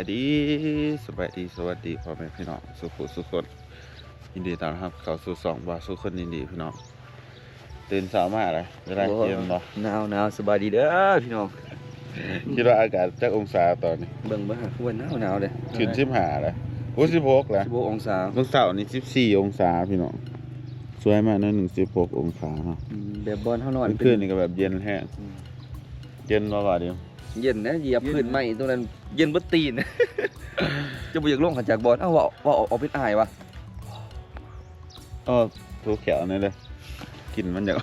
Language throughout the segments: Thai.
ดีสวัสดีพ่อแม่พี่น้องสุขคนยินดีต้อนรับเข้าสู่สองบาสุขคนยินดีพี่น้องตื่นเช้ามาเลยจะได้เย็นบ่หนาวสบายดีเด้อพี่น้องคิดว่าอากาศจักองศาตอนนี้เบิ่งบ่ฮะควรหนาวเลยขึ้น15เลยโอ้16แล้ว 16องศาเมื่อเช้านี่14องศาพี่น้องสวยมากนะ16องศาเนาะแบบบอนเฮานอนคืนนี่ก็แบบเย็นแห้งเย็นบ่ว่าเดียวเย็นนะเหยียบพื้นไม้ตรงนั้นเย็นบ่ตีนจะบ่อยากลงขันจากบอลเอ้าว่าออกเป็นอายวะถูกแขวนั่นเลยกินมันอย่าง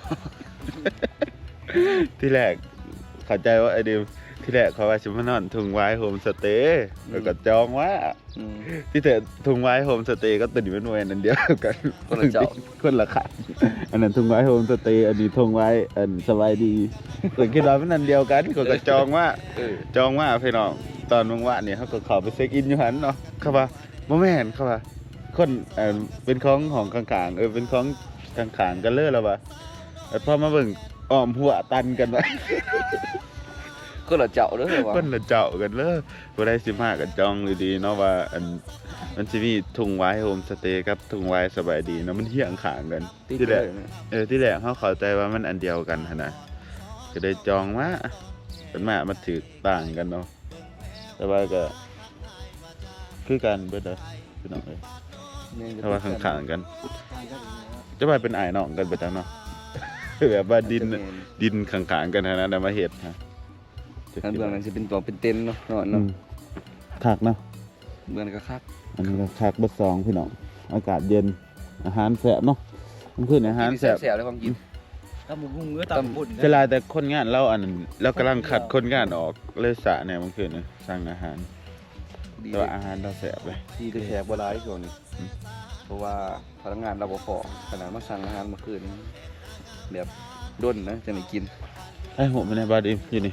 ที่แรกเข้าใจว่าไอเดีมที่แรกเขาว่าชิมานอนทุ่งไว้โฮมสเตย์แล้วก็จองว่าที่แต่ทุ่งไว้โฮมสเตย์ก็ตื่นเป็นวันนั่นเดียวกันคนละเจ้าคนละขันอันนั้นทุ่งไว้โฮมสเตย์อันนี้ทุ่งไว้อันสบายดีตื่นคิดว่าเป็นนั่นเดียวกันก็จองว่าพี่น้องตอนว่างๆเนี่ยเขาก็เข้าไปเช็คอินอยู่หันเนาะเขาว่าบ่แม่นเขาว่าคนเป็นของข้างๆเป็นของข้างๆกันเลยแล้วว่าแต่พอมาเบิ่งอ้อมหัวตันกันไว้คนละเจ้าเด้อว่าคนละเจ้ากันเลยบ่ได้15กันจองดีๆเนาะว่าอันมันสิมีทุ่งไว้โฮมสเตย์กับทุ่งไว้สบายดีเนาะมันเฮียงข้างกันที่แรกที่แรกเฮาเข้าใจว่ามันอันเดียวกันหั่นน่ะก็ได้จองมาเป็นมาถือต่างกันเนาะแต่ว่าก็คือกันเบิดเด้อพี่น้องเอ้ยถ้าว่าข้างๆกันจะว่าเป็นอ้ายน้องกันไปจังเนาะแบบว่าดินข้างๆกันนะได้มาเฮ็ดฮะอันเบื้องนั้นสิเป็นตัวเป็นเต็นท์เนาะคักเนาะเบื้องก็คักอันนี้ก็คักเบิด2พี่น้องอากาศเย็นอาหารแซ่บเนาะมันคืออาหารแซ่บเลยความกินตำบุ้งเนื้อตำบุญเวลาแต่คนงานเราอันเรากำลังคัดคนงานออกเลยสะเนี่ยมันคือนี่สั่งอาหารแต่ว่าอาหารเราแซ่บเลยที่จะแขกบ่หลายช่วงนี้เพราะว่าพนักงานเราบ่พอขนาดมาสั่งอาหารเมื่อคืนแบบด้นนะจะได้กินไอ้หัวมันในบาดอิ่มอยู่นี่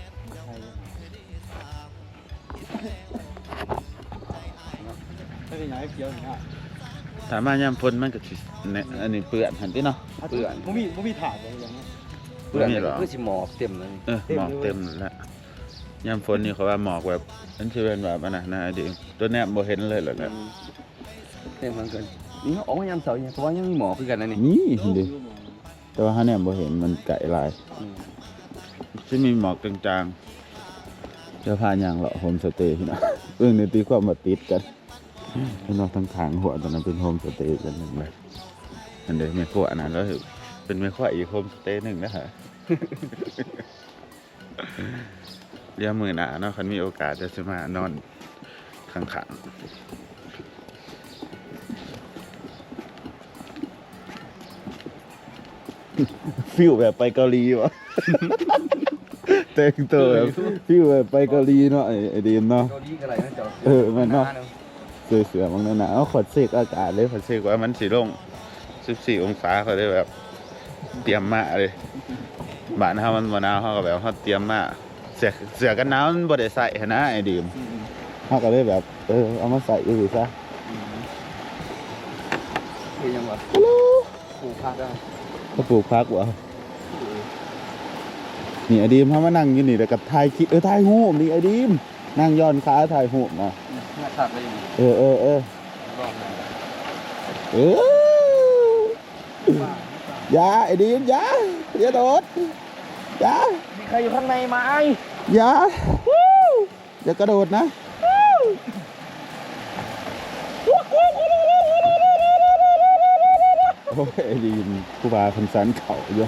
ถามมายามฝนมันก็สิอันนี้เปื้อนหั่นติเนาะเปื้อนบ่มีถาดอะไรอย่างเงี้ยเปื้อนก็คือสิหมอกเต็มเลยหมอกเต็มแล้วยามฝนนี่เขาว่าหมอกแบบมันสิเป็นแบบอันน่ะนะดิตัวเนี้ยบ่เห็นเลยเหรอเนี่ยเต็มทั้งเกินนี่ออกมายามเสาร์เนี่ยเพราะว่ายังมีหมอกคือกันนะนี่ดิแต่ว่าเฮาเนี่ยบ่เห็นมันไกลหลายสิมีหมอกจางๆจะพาย่างเลาะโฮมสเตย์พี่น้องนี่ตีความมาติดกันพี่น้องทั้งทางหัวตอนนั้นเป็นโฮมสเตย์กันนึงเลยอันเด้แม่ครัวอันนั้นแล้วเป็นแม่ครัวอีกโฮมสเตย์นึงนะฮะเดี๋ยวมื้อหน้าเนาะคันมีโอกาสจะสิมานอนข้างๆฟิลแบบไปเกาหลีวะแต่งตัวแบบฟิลแบบไปเกาหลีเนาะไอ้ดีมเนาะเกาหลีก็ไรนะจ๊ะแม่นเนาะเสือบางหนาเอาขดเสกอากาศเลยขดเสกว่ามันสิลง14องศาเขาได้แบบเตรียมมาเลยบ้านเฮามันบ่หนาวเฮาก็แบบเฮาเตรียมมาเสื้อกันหนาวมันบ่ได้ใส่หั่นนะไอ้ดีมเฮาก็เลยแบบเอามาใส่อยู่ซะคือยังว่าปลูกผักอ่ะเขาปลูกผักบ่นี่ไอ้ดีมเฮามานั่งอยู่นี่แล้วก็ถ่ายคลิปถ่ายรูปนี่ไอ้ดีมนั่งย้อนขาถ่ายรูปเนาะผักเลยยาไอ้ดีมยาอย่าโดดยามีใครอยู่ข้างในไหมยาอย่ากระโดดนะโอ้ยไอ้ดีมกูบาคำสันเข่าอยู่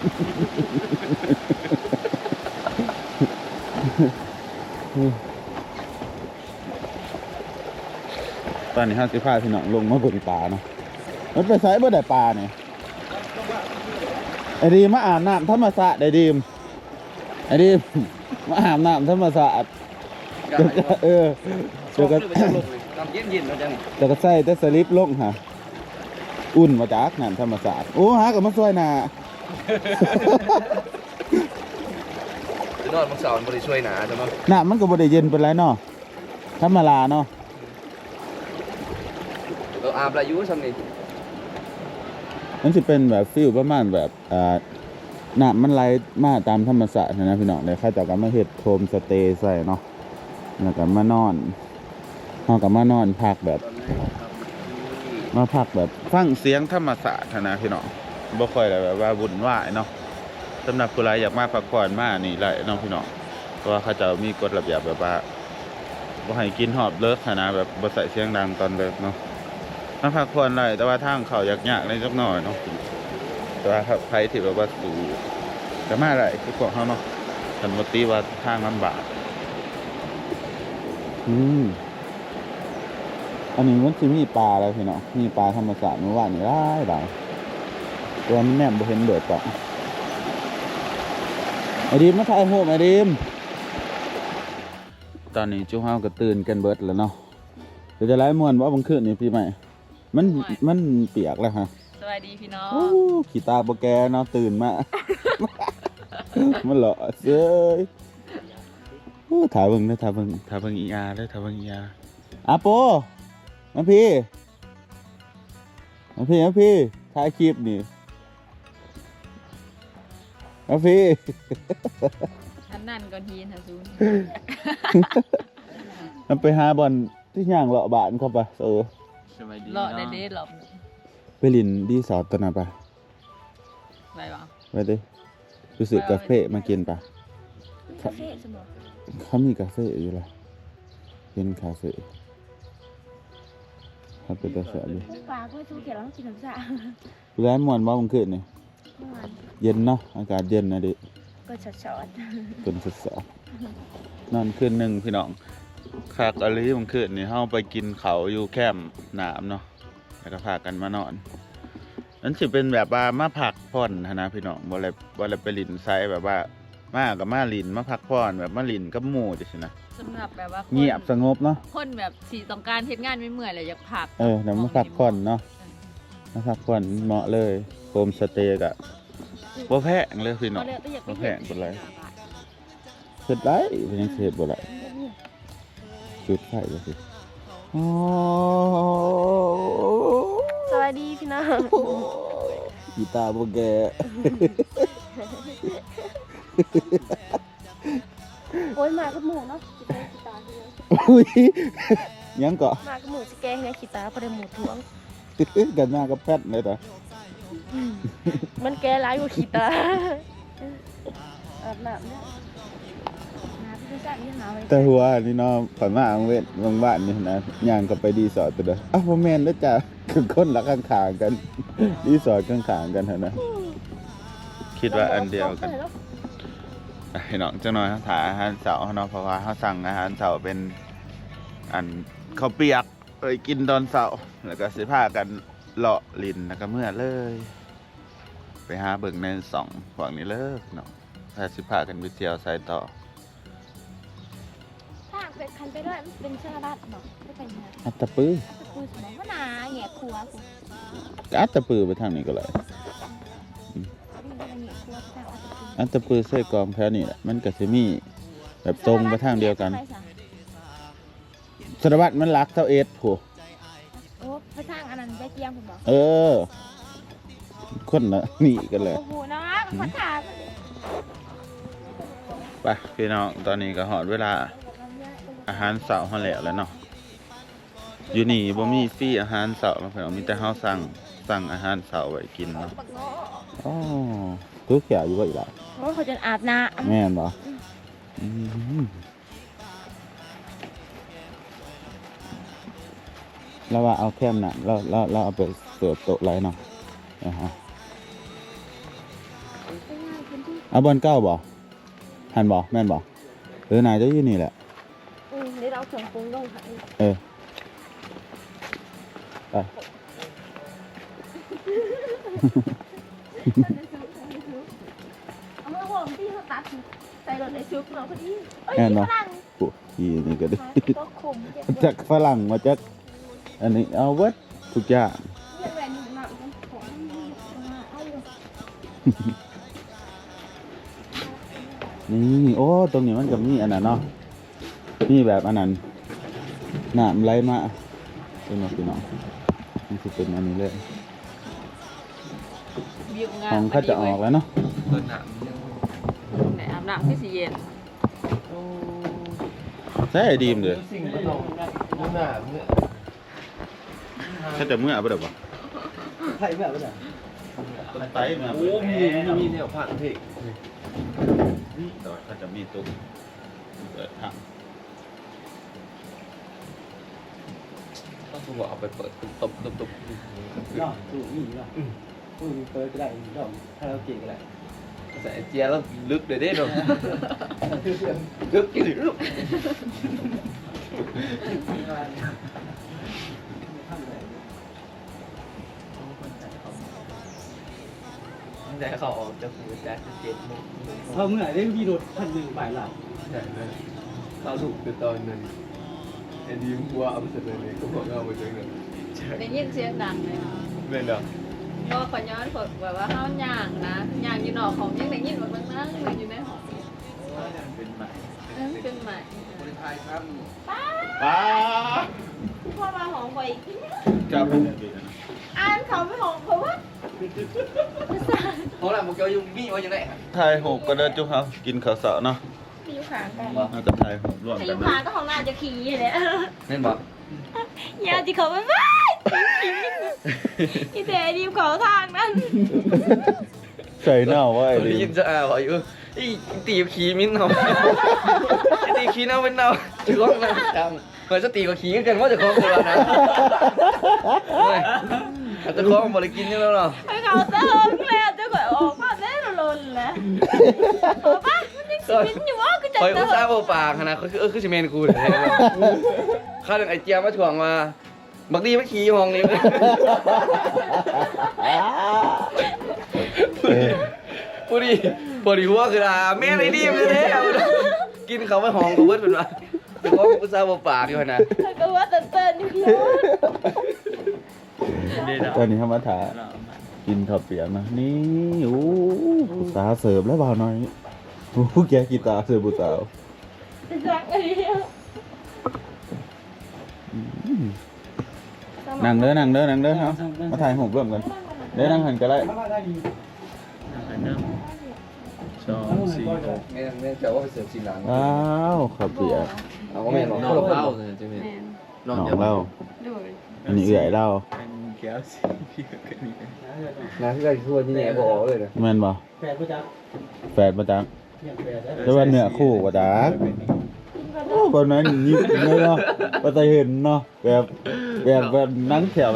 ตอนนี้ห้าสิบห้าพี่น้องลงมาบนปลาเนาะมันไปใส่บ่ได้ปลาเนี่ยไอ้ดีมาอาบน้ำธรรมศาสตร์ไอ้ดีมมาอาบน้ำธรรมศาสตร์เดี๋ยวก็น้ำเย็นๆแล้วจังเดี๋ยวก็ใส่แต่สลิปลงฮะอุ่นมาจากน้ำธรรมศาสตร์โอ้หากับมาช่วยนานอนมังสาวมันบริช่วยหนาใช่ไหมน้ำมันก็บริเย็นเป็นไรเนาะธรรมดาเนาะอาบอายุสักนิดมันจะเป็นแบบฟิลประมาณแบบน้ำมันไหลมาตามธรรมชาตินะพี่น้องเลยข้าจากการมาเฮ็ดโฮมสเตย์ใส่เนาะแล้วก็มานอนเฮาก็มานอนพักแบบมาพักแบบฟังเสียงธรรมชาตินะพี่น้องบ่ค่อยได้แบบว่าวุ่นวายเนาะสำหรับผู้ใดอยากมาพักผ่อนมานี่แหละเนาะพี่น้องเพราะว่าเขาจะมีกฎระเบียบแบบว่าบ่ให้กินหอบเลิกนะแบบบ่ใส่เสียงดังตอนเลิกเนาะมาพักผ่อนได้แต่ว่าทางเขายากๆนิดจักหน่อยเนาะแต่ว่าถ้าใครที่แบบว่าสู่ก็มาได้คือพวกเฮาเนาะคันบ่ติว่าทางลำบากอันนี้มันสิมีปลาแล้วพี่น้องมีปลาธรรมชาติเมื่อวานนี่หลายตัวมันแนมบ่เห็นเดือดต่อไอดีมมาถ่ายรูปไอดีมตอนนี้จุ๊เฮาก็ตื่นกันเบิดแล้วเนาะเดี๋ยวจะไล่ม่วนว่าบางคืนนี่พี่ใหม่มันเปียกแล้วฮะสวัสดีพี่น้องโอ้ขี้ตาบ่แกเนาะตื่นมา มันหล่อเซ้ยโอ้ถ่ายเบิ่งอีอาเด้อถ่ายเบิ่งอีอาโปมาพี่ถ่ายคลิปนี่มาพี่อันนั่นก่อนทีนฮะซูนมันไปหาบอลที่ย่างเลาะบ้านเข้าไปเลาะได้เด็ดหรอกไปลินดีสอดตัวน่ะปะไปวะไปดิรู้สึกกาแฟมากินปะคาเฟ่สมองเขามีกาแฟอยู่ละเป็นคาเฟ่เขาเป็นกาแฟดิปลาก็ชูเขียวแล้วกินน้ำชาร้านมวนบ้าบังคืนนี่เมื่อวานเย็นเนาะอากาศเย็นนะดิก็ช็อตเป็นสุดสอบนอนคืนหนึ่งพี่น้องคากอะไรบังคืนนี่เฮาไปกินเขาอยู่แคมป์น้ำเนาะแล้วก็พากันมานอนนั่นสิเป็นแบบว่ามาพักผ่อนนะพี่น้องบ่ได้ไปลินไซแบบว่ามากับมาลินมาพักผ่อนแบบมาลินกับหมู่จังซี่นะสำหรับแบบว่าคนเงียบสงบเนาะคนแบบสีต้องการเฮ็ดงานไม่เมื่อยเลยอยากพักเดี๋ยวมาพักผ่อนเนาะมาพักผ่อนเหมาะเลยโฮมสเตย์กะบ่แพงเลยพี่น้องเลยก็อยากไปบ่แพเห็งนปานไรเฮ็ดได้เป็นยังสิเฮ็ดบ่ได้จุดไฟก็สิโอ้สวัสดีพี่น้องกีตาร์บ่แกโอ้ยมากับหมูเนาะสแกนขีตาอุ้ยยังก็มากับหมูสแกนไงขีตาพอได้หมูท้วงกันหน้ากับแพทเลยต่อมันแกร้ายกว่าขีตาอาบน้ำเนี่ยน้ำพี่สั่งยังหาไว้แต่หัวนี่เนาะข่อยมาอังเวทบางบ้านนี่นะย่างก็ไปดีสอร์ทตัวเด้ออ้าวบ่แม่นเด้อจ้ะคือคนละข้างๆกันรีสอร์ทข้างๆกันหั่นนะคิดว่าอันเดียวกันพี่น้องจังหน่อยถาอาหารเช้าเนาะเพราะว่าเฮาสั่งอาหารเช้าเป็นอันข้าวเปียกกินตอนเช้าแล้วก็สิพากันเลาะลินแล้วก็เมื่อเลย ไปหาเบิ่งในสองฝั่งนี้เลิกเนาะถ้าสิพากันไปเที่ยวไสต่อถ้าเป็นคันไปด้วยมันเป็นชาลัดเนาะไม่เป็นไงอัตตะปืออาจจะคุยสมองก็นาแง่ครัวกูอัตตะปือไปทางนี้ก็เลยนี่เป็นแง่ครัวแต่อาจจะคุยอัตตะปือใส่กองแถวนี้แหละมันก็สิมีแบบตรงไปทางเดียวกันสารวัตรมันรักเท่าเอสผู้โอ้ไปทางอันนั้นไปเกียงผมบอกเออ คนละนี่กันเลยโอ้โหน้องขอถามไปพี่น้องตอนนี้ก็หอดเวลาอาหารเสาร์เฮาแล้วเนาะอยู่นี่บ่มีฟรีอาหารเสาร์เนาะพี่น้องมีแต่เฮาสั่งอาหารเสาร์ไว้กินเนาะอ๋อคือแขวอยู่บ่อีกล่ะเพราะเขาจะอาบน้ำแม่นบ่อืมแล้วว่าเอาแคมน่ะเราเอาไปเสิร์ฟโต๊ะไรเนาะเอาบอลเก้าบ่หันบ่แม่นบ่นายจะอยู่นี่แหละนี่เราถึงปรุงลงค่ะเออไปเอามาห่มที่เขาตัดใส่รถไอ้ซุปเราพอดีแม่นบ่ปุ๊อีนี่ก็ได้ก็ขมเจ็บจากฝรั่งมาจากอันนี้เอาเวิดทุกอย่างเยี่ยมแหวนหนึ่งหนักของเอาอยู่นี่โอ้ตรงนี้มันก็มีอันนั้นเนาะนี่แบบอันนั้นน้ำไหลมาเป็นมาพี่น้องนี่คือเป็นอันนี้เลยวิวงาขมองเขาจะออกแล้วเนาะเปิดหนังไหนอาบน้ำที่สีเย็นโอ้ใช่ไอ้ดีมเด้อสิ่งมันลงมันหนาเมื่อถ้าจะเมื่อบ่ได้บ่ไทยเมื่อไหร่ต้นไตมาโอ้มีแนวผ่านเพลงดอกถ้าจะมีตุ้มเปิดทางต้องถูกเอาไปเปิดตบเนาะถูกนี่เนาะถูกเปิดก็ได้ดอกถ้าเราเก่งก็ได้ใส่เจียแล้วลึกเลยเด้เนาะลึกกี่ลึกแต่เขาออกจะฟูจะเจ็ดมุกเขาเมื่อได้มีรถคันหนึ่งฝ่ายหลังใช่เลยเขาถูกคือตอนนั้นไอ้ดีมกลัวเอาไปเสร็จเลยก็บอกเอาไปเจอเลยได้ยินเสียงดังเลยค่ะไม่เนาะก็ขอย้อนฝึกแบบว่าเฮาย่างนะย่างอยู่นอกของยังได้ยินว่ามันนั่งอยู่ในห้องเป็นใหม่เป็นใหม่คนไทยครับป้าพ่อมาหอมไว้จะเป็นแบบนี้นะอ่านเขาไม่หอมเขาว่าเพราะอะไรมึงเกี่ยวยุ่งมีว่าอย่างไรทายหกก็เดินจุ๊บครับกินข้าวเสาเนาะมีอยู่ขางกันน่าจะทายหกร่วมแต่อกันยู่นะขางก็ของหน้าจะขี่เลยเล่นบ่ยาที่เขาไม่ไปอีแต่ดีมเขาทางนั้นใส่หน้าไว้ได้ยินจะอ่าวอยู่อีตีขี้มิ้นเนาะตีขี้เน่าเป็นเน่าจะร้องนะจังเหมือนจะตีกับขี้กันว่าจะคล้องตัวนะอาจจะคล้องบริกินนี่แล้วเนาะให้เขาเติมแล้วจะก่อยออกมาได้ลนแล้วออกมามันยังสินอยู่ว่าก็จะคอยเติอุตส่าห์มเบาปากนะคือซีเมนกูเลยข้าวหนึ่งไอเจียมาถ่วงมาบักดีไม่ขี้ห้องนี้พอดีหัวคือแม่ไรดีมันเลยกินเขาไปห้องกับเพื่อนเป็นว่าแต่ก็อุตส่าห์เบาปากอยู่นะก็ว่าเติมอยู่เดียวตอนนี้เขามาถ่ายกินข้าวเปียกนะนี่โอ้สาวเสิร์ฟแล้วบ่าวน้อยโอ้แกกีตาร์เสิร์ฟบุสาวรักอะไรเนี่ยนั่งเด้อครับมาถ่ายหกร่วมกันเด้อนั่งหันก็ได้แม่จะว่าไปเสิร์ฟซีหลังว้าวข้าวเปียกเอาแม่หนองเล่าเลยจะมีแม่นน้องเล่าดูอันนี้เอื่อยเล่านะที่ได้ทั่วที่แหนบอกเลยนะแม่นบ่แฟนกูจักแฝดประจักเนี่ยแฟนได้แต่ว่าเนื้อคู่ประจักโอ้คนนั้นยิบเลยเนาะบ่ได้เห็นเนาะแบบนั่งแถวแบบ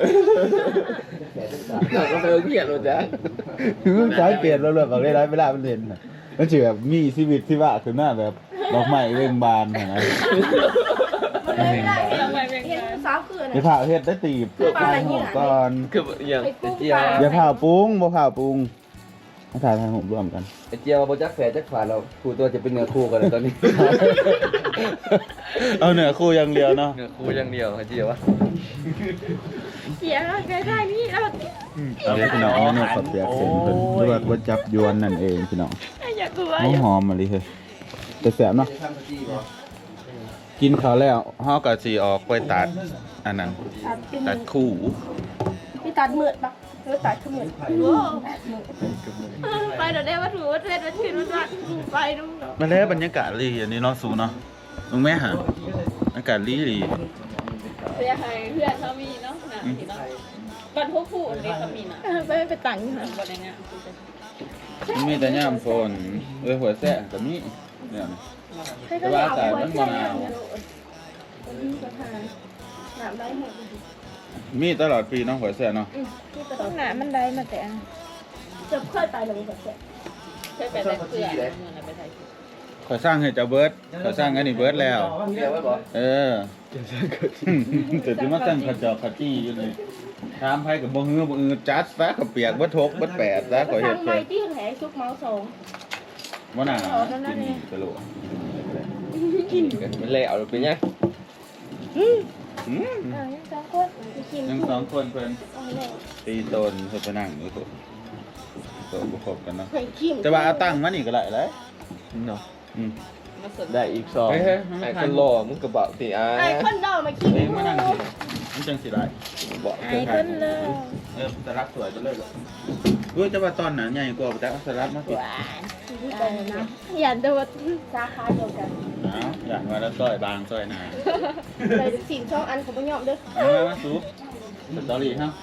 ก็ไปเกลียดเลยจ้ะคือสายเปลี่ยนแล้วเรื่องของได้เวลามันเห็นน่ะมันสิแบบมีชีวิตที่ว่าขึ้นมาแบบดอกไม้เร่งบานนะมันเลยไม่ได้เห็นสาวคือไอ้ผ่าเฮ็ดได้ตีบถ่ายหูปก่อนคืออย่างไอเจียอย่าผ่าปรุงบ่ผ่าปรุงมาถ่ายหูปร่วมกันไอเจียมาโปรจักแฝดจักฝาเราคู่ตัวจะเป็นเนื้อคู่กันตอนนี้เอาเนื้อคู่อย่างเดียวเนาะเนื้อคู่อย่างเดียวไอเจียวะเสียใกล้ๆนี่เราเอาเลยพี่น้องเมนูข้าวเปียกเส้นเพิ่นหรือว่าก๋วยจับยวนนั่นเองพี่น้องอยากกลัวหอมๆมาเลยเฮ้ยแต่แซ่บเนาะกินข้าวแล้วเฮาก็สิออกไปตัดอันนั้นตัดคู่พี่ตัดมืดปะหรือตัดขมืดไปเดี๋ยวได้วัตถุวัตถุวัตถุวัตถุไปดูมาแล้วบรรยากาศดีอันนี้เนาะสูเนาะลุงแม่หาอากาศดีเสียให้เพื่อนเขามีเนาะนะที่เนาะบ้านพวกผู้อันนี้เขามีน่ะไปตังค์นะบ่ได้งานมันมีแต่ย่ามฝนหัวแซ่ก็มีเนี่ยนะ แต่ว่าสายมันบ่หนาวหนาวได้หมดมีตลอดปีเนาะหัวแซ่เนาะต้องหนามันได้มาแต่จะค่อยไปลงแบบเสร็จเคยไปแต่เพื่อนเมื่อนั้นไปไทยขอยสร้างให้เจ้าเบิร์ดขอยสร้างอันนี้เบิร์ดแล้วเจียวไว้บ่เออแต่ที่มาตั้งขจอกขจี้อยู่เลยถามไผกับบ่ฮือบ่อือจัดซะเขาเปียกบ่ทกบ่แปดซะขอยเฮ็ดทางเพิ่ไม้นที่แหงซุกเมาส์สองบ่น่าเอาแล้วนั่นเองกะโหลกเป็นเล่เอาเป็นยังยังสองคนกินยังสองคนเพิ่นเอาแล้วตีตนเพิ่นไปนั่งอยู่ตัวบ่ครบกันเนาะใส่ขิมแต่ว่าเอาตั้งมานี่ก็ได้เลยเนาะมาสดได้อีก2ไอ้คนรอมึงกระบะตีอ่ะไอ้คนดอกมาขิมเองมานั่งสิมันจังสิได้บอกไอ้คนเลยสลัดสวยไปเลยรู้จะว่าตอนนั้นใหญ่กว่าแต่สลัดมาสิหวานนะอย่าโดดสาขาเดียวกันเอย่างว่าแล้วซอยบางซอยหนาเลยสิ่งช่องอันของบ่ยอมเด้อมาซุปสตอรี่ครับ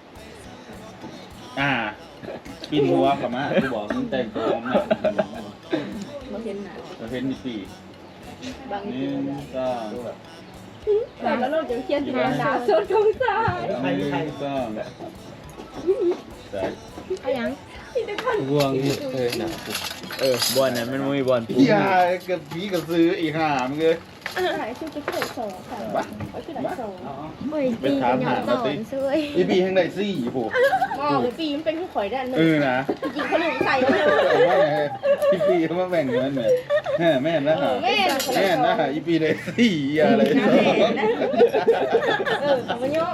กินหัวกับมากูบอกมึงแต่งตัวมาบ่เห็นหน้าประเภทนี้สี่บางนี่ก็แล้วเราจะเขียนหน้าสดของสายนี่ก็แต่เอาหยังวงบอลนั้นมันมีบอลปุ๊บอย่ากับผีกับซื้ออีกห่ามเลยหายชื่อจะเกิดสองค่ะเอาชื่อไหนสองโอ้ยไปถามหามาสิ อีปีทั้งใดซี่ผูกมอปีมันเป็นผู้ข่อยด้านหนึ่งนะจริงเขาลืมใส่แล้วเลยอีปีเขามาแบ่งเงินเนี่ยแม่นะฮะแม่แม่นะฮะอีปีได้ซี่อะไรสมัยย่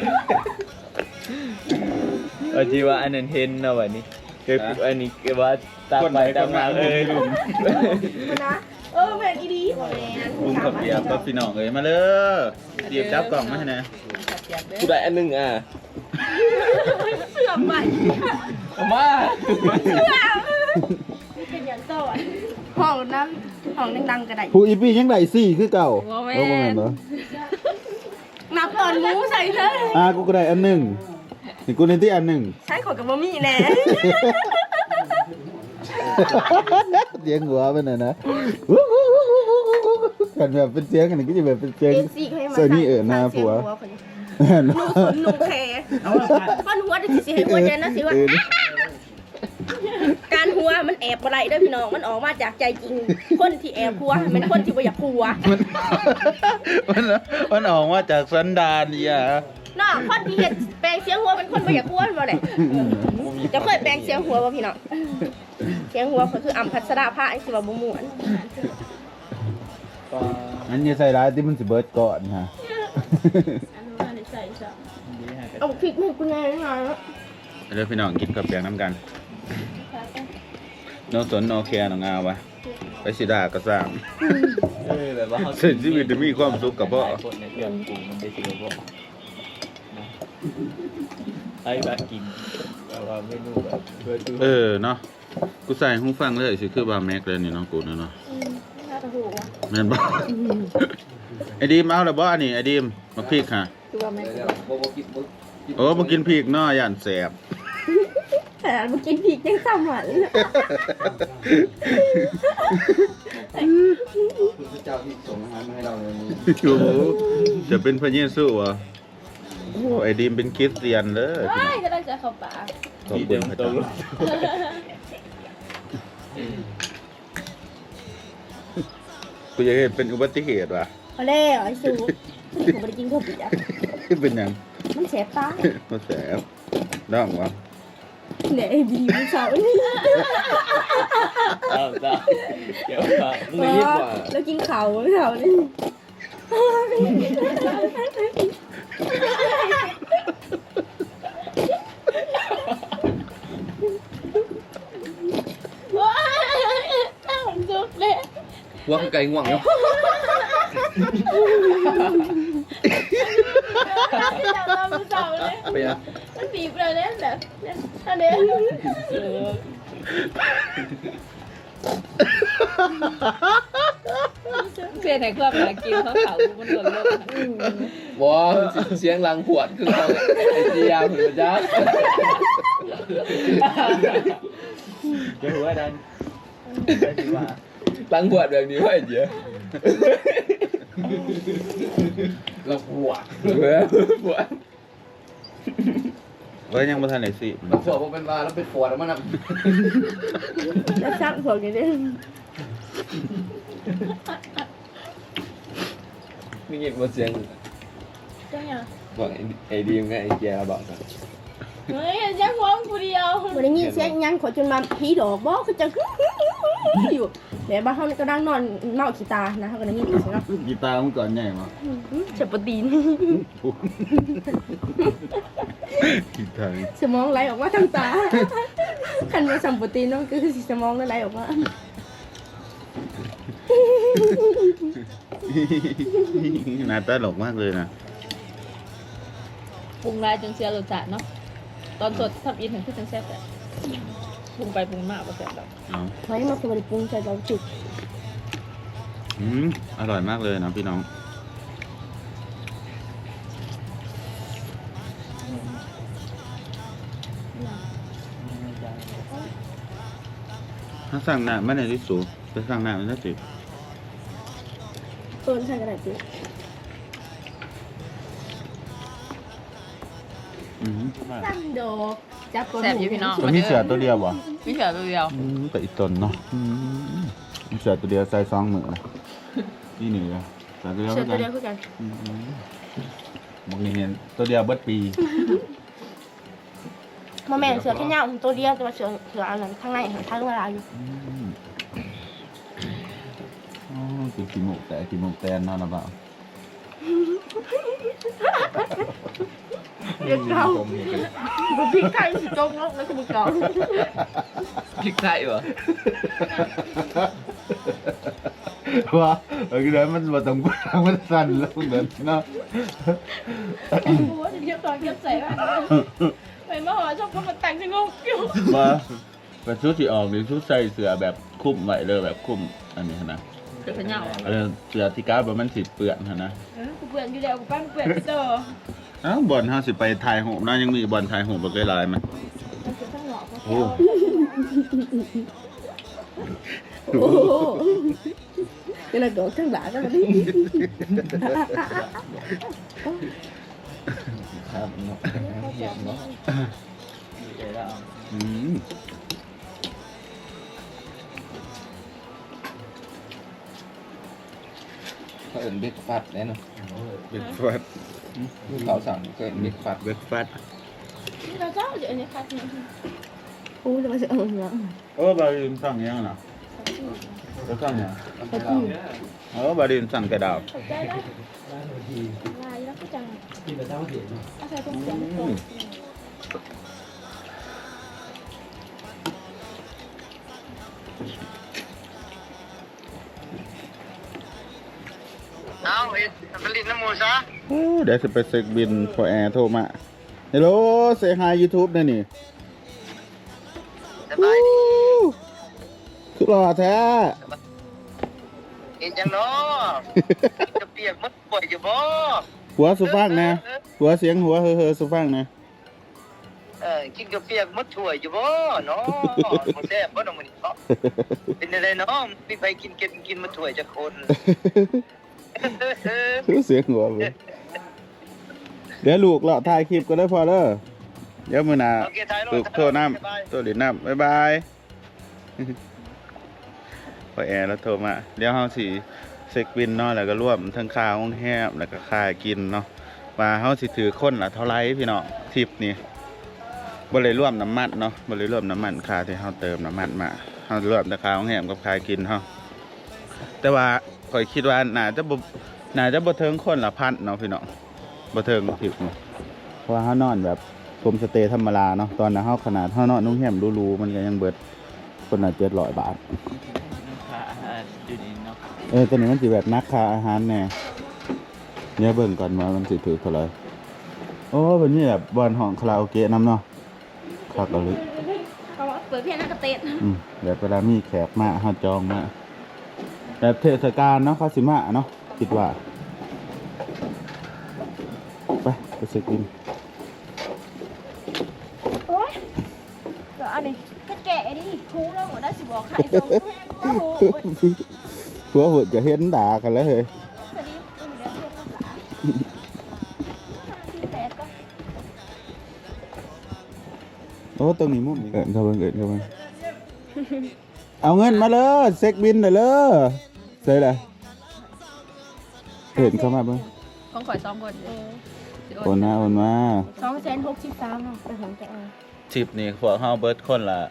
อจีว่าอันนั้นเห็นนะวันนี้คืออันนี้คือว่าตามไปตามมาเลยลุงนะแม่อีดีแม่ลุงขับเบียร์กับพี่น้องเลยมาเลยเดี๋ยวจับกล่องมาให้นะกูได้อันนึงเสื่อมใหม่มาเป็นอย่างต่อห้องน้ำห้องดังๆกระไดผู้อีปียังไดซี่คือเก่าโอ้แม่เหรอนับตอนมูใส่เลยกูก็ได้อันหนึ่งนี่กูในที่อันหนึ่งใช้ของกับบะหมี่แน่เสียงหัวเป็นไงนะกันแบบเป็นเสียงกันก็จะแบบเป็นเสียงเอ็นซีเขาให้มาเสื้อนี่หน้าผัวนุ่งขนนุ่งแคฟันหัวจะสิให้หัวใจนะสิว่าการหัวมันแอบอะไรเด้อพี่น้องมันออกมาจากใจจริงคนที่แอบหัวเป็นคนที่บ่อยากหัวมันออกมาจากสันดานเนี่ยน้องคนที่เห็นแปลงเสียงหัวเป็นคนบ่อยากหัวบ่แหละจะเคยแปลงเสียงหัวบ่พี่น้องเสียงหัวก็คืออัมพัชราภาไอ้สิว่าบ่ม่วนอันนี้ใส่ร้ายที่มันสิเบิร์ดก่อนฮะเอาพริกให้กูแน่นะเดี๋ยวพี่น้องกินกับเปียงน้ำกันโนสนโนแคร์น้องงาวะไปสิดากระซ่างแบบว่าเส้นชีวิตจะมีความสุขกับพ่อคนในเครื่องปรุงมันได้สิกับพ่อไอ้แบบกินแต่ว่าเมนูแบบเพื่อดูเนาะกูใส่หูฟังเลยสิคือบาแม็กเลยนี่น้องกูเนาะน่าจะถูกว่ะแม่นบ่ไอ้ดีมเอาแล้วบ่อันนี้ไอ้ดีมมาพริกค่ะตัวแม่โอ้บ่กินพริกเนาะย่านแสบแต่มากินพริกยังซ้ำหวานเลยพระเจ้าที่ส่งอาหารมาให้เราในมือโอ้โหจะเป็นพระเยซูเหรอโอ้ไอ้ดีมเป็นคริสเตียนเลยไม่ก็ได้จะเข้าปากขอบคุณพระเจ้ากูอยากให้เป็นอุบัติเหตุว่ะพอแล้วไอ้สูผมไม่ได้กินข้าวเปียกเป็นหยังมันแสบตามาแสบร้องวะเนี่ยไอ้บีมันเสาร์นี่จ้าเดี๋ยวมึงไม่ยิบกว่าแล้วกินข้าวเสาร์นี่ว้ายตั้งจุกเลยว่าไก่ง่วงเนาะจับเราเป็นเสาเลยไปอ่ะมันบีบเลยเนี่ยแบบอันนี้เพื่อนไหนก็แบบกินเขาเขาบนถนนโลกบอเสียงลังขวดคือเขาไอ้เจียเหมือนจ้าจะหัวดันลังขวดแบบนี้ว่าไอ้เจียลังขวดขวดก็ยังบ่ทันได้สิลังขวดพอเป็นว่าแล้วเป็นขวดแล้วมันแล้วซักหัวกันดิมีเงียบว่าเสียงจังยังบอกไอ้ดีมไงไอ้เจียบอกกันเฮ้ยยังฟ้องกูเดียววันนี้เสียงยังขอจนมาผีดอกบอกคือจะอยู่แม่บ้านเขาก็ดังนอนเมาขี้ตานะเขาก็ได้ยินอีกใช่ไหมกีตาร์มึงก่อนใหญ่มาเจ็บปวดตีนกีตาร์สมองไหลออกมาทางตาคันมาสัมปตีนนั่นคือสมองไหลออกมาหน้าตาหลกมากเลยนะปรุงลายจนเสียรสชาติเนาะตอนสดทำอินถึงขึ้นจังแซ่บแต่ปรุงไปปรุงมาก็แซ่บแบบเอาไว้มาคือวันปรุงใจเราจุดอร่อยมากเลยนะพี่น้องถ้าสั่งหน้าไม่ได้ที่สูงไปสั่งหน้ามันจะสิต้นใช่กระดาษจี ตั้งดอกจับตัวแซ่บอยู่พี่น้องตัวนี้เสือตัวเดียวบ่มีเสือตัวเดียวแต่อีกตนเนาะมีเสือตัวเดียวใส่ซองมือนะนี่หนึ่งเลยเสือตัวเดียวเสือตัวเดียวกันคือกันบางทีเห็นตัวเดียวเบิดปีมาแม่นเสือแค่ยาวตัวเดียวแต่ว่าเสืออันนั้นข้างในเห็นทั้งเวลาอยู่อ๋อคือขี้มูกแต่ขี้มูกแตนเนาะนะเปล่าเรียกเก่าบุพริกไทยสิจงลกแล้วคือบุเก่าพริกไทยเหรอว่าเออคือนั้นมันมาตรงกลางมันสั่นแล้วเดินเนาะกูว่าจะเทียบตอนเทียบใส่บ้างไปมาหอชอบก็มาแต่งจะงงอยู่ว่าเป็นชุดที่ออกนี่ชุดใส่เสือแบบคุ้มไว้เลยแบบคุ้มอันนี้นะเสือขยาวเสือที่ก้าแบบมันสิเปื้อนนะกูเปลี่ยนอยู่แล้วกูปั้นเปลี่ยนไปเจออ้าวบอลเฮาสิไปถ่ายหูปนะยังมีบอลถ่ายหูปบ่เคยลายมั้ยมันคือข้างหลอกโอ้โอ้นี่แหละดอกข้างหลังกันมาดิครับเนาะเยี่ยมเนาะดีใจแล้วอืมเขาเอิ้นเบรกฟาสต์แน่เนอนเบรกฟาสเขาสั่งก็เอิ้นเบรกฟาสต์เบรกฟาสเราเจ้าเดี๋ยวนี้คัดเนี่ยโอ้จะมาเสือเนาะโอ้บาริมสั่งยังน่ะก็สั่งยังบาริมสั่งกระดาษเข้าใจได้ร้านหัวทีลายแล้วก็จังกินแต่เช้าเห็นเนาะอาศัยตรงเสียงตรงเอาเอ็ดผลิตน้ำมูซะโอ้เดี๋ยวจะไปเซ็กบินพอแอร์โทรมาฮัลโหลเซฮาย YouTube นี่นี่สบายดีคือหล่อแท้เห็นจังเนาะจะเปียกมันป่วยอยู่บ่หัวสุฟังนะหัวเสียงหัวเฮ้อสุฟังนะกินกระเปียกมันถ่วยอยู่บ่เนาะบ่แซ่บบ่น้องมื้อนี้เนาะเป็นอะไรเนาะมีใครกินมันถ่วยจักคนเสียงหัวเว้ยเดี๋ยวลูกเราถ่ายคลิปก็ได้พอเด้อเดี๋ยวมื้อหน้าโอเคถ่ายรูลูปกโทรน้ำตัวหลินน้ำบ๊ายบาย พอแอร์แล้วโทรมาเดี๋ยวเฮาสิเซ็กบินเนาะแล้วก็รวมทั้งค่าห้องแฮมแล้วก็ค่ากินเนาะว่าเฮาสิถือคนละเท่าไหร่พี่น้องทริปนี้บ่ได้รวมน้ำมันเนาะบ่ได้รวมน้ำมันค่าที่เฮาเติมน้ำมันมาเฮารวมแต่ค่าห้องแฮมกับค่ากินเฮาแต่ว่าข่อยคิดว่าน่าจะบ่ถึงคนละพันเนาะพี่น้องบ่ถึงทริปนี้เพราะว่าเฮานอนแบบโฮมสเตย์ธรรมดาเนาะตอนนั้นเฮาขนาดเฮานอนโรงแรมหรูๆมันก็ยังเบิดคนละ700 บาทอยู่นี่เนาะตัวนี้มันสิแบบนักค่าอาหารแน่เนี่ยเบิ่งก่อนว่ามันสิถือเท่าไหร่โอ้เป็นนี่แบบบอนห้องคาราโอเกะนำเนาะคักเอาเลยเขาบอกเปิดเพียงนักกระเตะแบบเวลามีแขกมาเฮาจองมาแบบเทศกาลเนาะเขาสิมาเนาะคิดว่าไปเช็คอินโอ้ยเดี๋ยวอันนี้ก็แกะดิทูแล้วหมดได้สิบอกใครตรงแม่ก็โอ้ยหัวหุ่นจะเห็นด่ากันแล้วเฮ้ยสวัสดีคุณเดี๋ยวเรียกภาษาที่แปดก็โอ้ตรงนี้มุมนี้เข้าไปเอาเงินมาเลยเช็คบินเลยเสร็จแล้วเห็นเข้ามาเบิ่งของข่อย2คนสิโอนมา 263เนาะไปหงแกะเอาทริปนี้พวกเฮาเบิดคนละ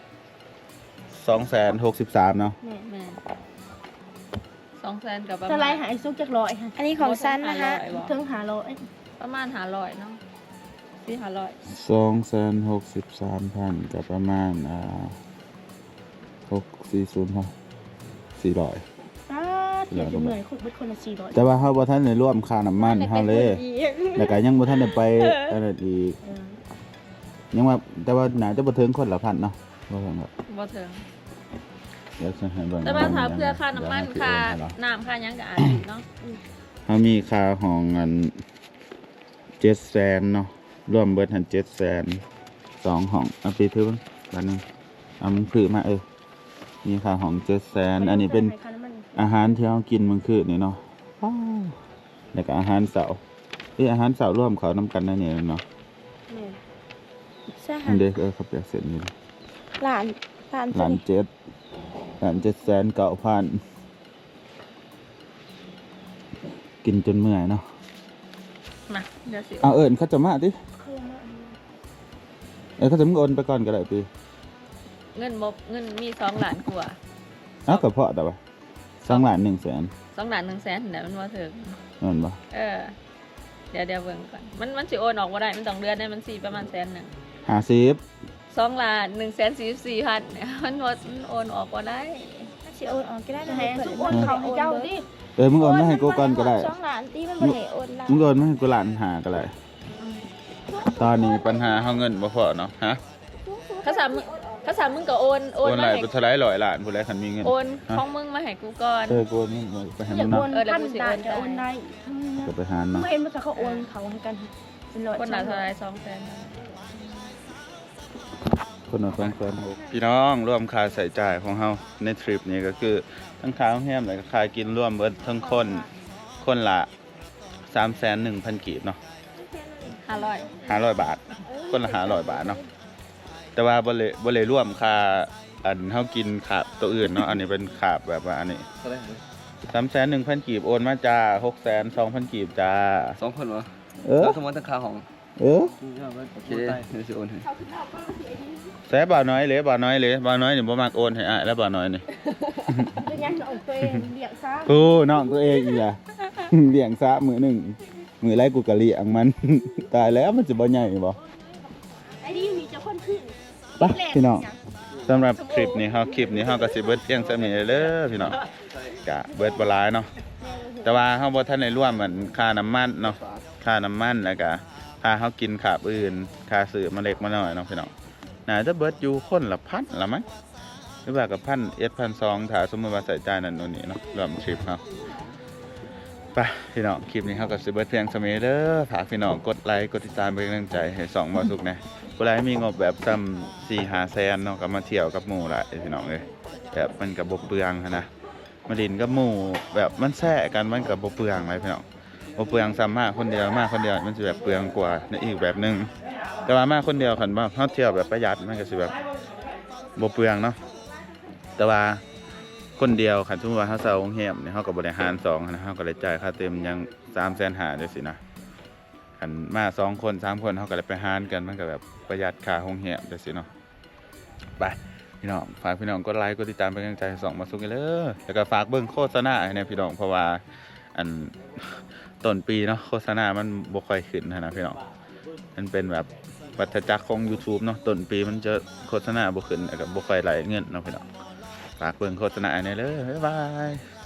263เนาะแม่200,000กับประสไลมาณด์หายซุกจากร้อยค่ะอันนี้ของสั้นนะคะถึง500 ประมาณ500เนาะ4-500 263,000กับประมาณ640ครับ400 เดี๋ยวเหนื่อยคุยเบิดคนละ400 แต่ว่าเฮาบ่ทันได้รวมค่าน้ำมันเฮาเลยแล้วก็ยังบ่ทันได้ไปอันนั้นอีกยังว่าแต่ว่าน่าจะบ่ถึงคนละพันเนาะบ่ถึงครับบ่ถึงเดี๋ยวจะให้เบิ่งแต่ว่าถ้าเพื่อค่าน้ำมันค่าเดี๋ยวให้พี่โอนให้เนาะน้ำค่าหยังก็อาจสิเนาะเขามีค่าห้องอัน700,000เนาะรวมเบิดหัน700,000 2ห้องเอาไปถือเบิ่งบาทนึงเอามึงถือมามีค่าห้อง700,000อันนี้เป็นอาหารที่เรากินมื้อคืนนี่เนาะว้าวแล้วก็อาหารเสาร์อาหารเสาร์ร่วมเขานำกันนั่นนี่เนาะใช่อัค่ะนเด็กเขาเปียกเสร็จนี่หลานล้าน7,900,000กินจนเมื่อยเนาะมาเดี๋ยวสิเอาเขาจะมาดิเขาจะมึงโอนไปก่อนก็ได้ปีเงินมี2ล้านกว่าเอากระเพาะแต่ว่า2,100,000 2ล้าน1แสนเดี๋ยวมันบ่ถึงนั่นบ่เดี๋ยวเบิ่งก่อนมันสิโอนออกบ่ได้มันต้องเดือนได้มันสิประมาณ100,000 50 2ล้าน144,000เนี่ยมันโอนออกบ่ได้สิโอนออกก็ได้นะให้ทุกโอนเขาให้เจ้าดิมึงโอนมาให้กูก่อนก็ได้ 2ล้านตีมันบ่ให้โอนละมึงโอนมาให้กูล้านหาก็ได้ตอนนี้ปัญหาเฮาเงินบ่พอเนาะฮะถ้าสามมึงก็โอนโอนหมาลายให้เป็นเท่าไหร่100 ล้านผู้ใดคันมีเงินโอนของมึงมาให้กูก่อนกูโอนมึงไปให้อมึยากงโอเนาะนพันบาทจะโอนได้ก็ไปหาเนาะเมื่อเห็นว่าเขาโอนเขาให้กันเป็นร้อยคนละเท่าไหร่200,000 คนละ2,600พี่น้องรวมค่าใช้จ่ายของเฮาในทริปนี้ก็คือทั้งค่าโรงแรมแล้วก็ค่ากินรวมเบิดทั้งคนละ3,100,000 กีบเนาะ 500 500 บาท คนละ500 บาทเนาะแต่ว่าบ่เลยรวมค่าอันเฮากินขาบตัวอื่นเนาะอันนี้เป็นขาบแบบว่าอันนี้เท่าไหร่ 3,100,000 กีบโอนมาจ้า 6,200,000 กีบจ้า 2,000วะเออแล้วสมมุติทั้งค่าห้องเออโอเคเดี๋ยวสิโอนให้แซ่บ่าวน้อยเลยบ่าวน้อยนี่บ่มักโอนให้อ้ายแล้วบ่าวน้อยนี่เป็นยังเอาตัวเองเลี้ยงซะกูน้องตัวเองอีหล่ะ เลี้ยงซะมื้อหนึงมื้อไรกูก็เลี้ยงมัน ตายแล้วมันจะบ่ใหญ่บ่ไอ้นี่มีเจ้าคนขึ้นไปพี่น้องสำหรับคลิปนี้เฮาก็สิเบิดเพียงส่านี้เด้อพี่น้องก็เบิดบ่หลายเนาะแต่ว่าเฮาบ่ทันได้รวมเหมือนค่าน้ำมันเนาะค่าน้ำมันแล้วก็ค่าเฮากินขาบอื่นค่าซื้อมาเล็กมาน้อยเนาะพี่น้องน่าจะเบิดอยู่คนละพันละมั้งหรือว่ากับ1,200ถ้าสมมุติว่าใส่จ่ายนั่นนู่นนี่เนาะรวมทริปเฮาไปพี่น้องคลิปนี้เฮาก็สิเบิดเพียงส่านี้เด้อฝากพี่น้องกดไลค์กดติดตามเป็นกำลังใจให้สองบ่สุกนะผู้ใดมีงบแบบซ้ำ4-5 แสนเนาะก็มาเที่ยวกับหมู่ละพี่น้องเอ้ยแบบมันก็บ่เปลืองหั้นนะมาดินกับหมู่แบบมันแซ่กันมันก็บ่เปลืองเลยพี่น้องบ่เปลืองซ้ำมาคนเดียวมันสิแบบเปลืองกว่าในอีกแบบนึงแต่ว่ามาคนเดียวคันว่าเฮาเที่ยวแบบประหยัดมันก็สิแบบบ่เปลืองเนาะแต่ว่าคนเดียวคันสมมุติว่าเฮาเช่าโรงแรมเนี่ยเฮาก็บ่ได้หาร2นะเฮาก็ได้จ่ายค่าเต็มยัง350,000จังซี่นะคันมา2คน3คนเฮาก็ได้ไปหารกันมันก็แบบประหยัดค่าโรงแรมจังซี่เนาะไปพี่น้องฝากพี่น้องกดไลค์กดติดตามเป็นกำลังใจให้สองมาสุกกันเลยแล้วก็ฝากเบิ่งโฆษณาให้เนี่ยพี่น้องเพราะว่าอันต้นปีเนาะโฆษณามันบ่ค่อยขึ้นนะพี่น้องมันเป็นแบบวัฏจักรของ YouTube เนาะต้นปีมันจะโฆษณาบ่ขึ้นแล้วก็บ่ค่อยไหลเงินเนาะพี่น้องฝากเบิ่งโฆษณาให้เนี่ยเลยบ๊ายบาย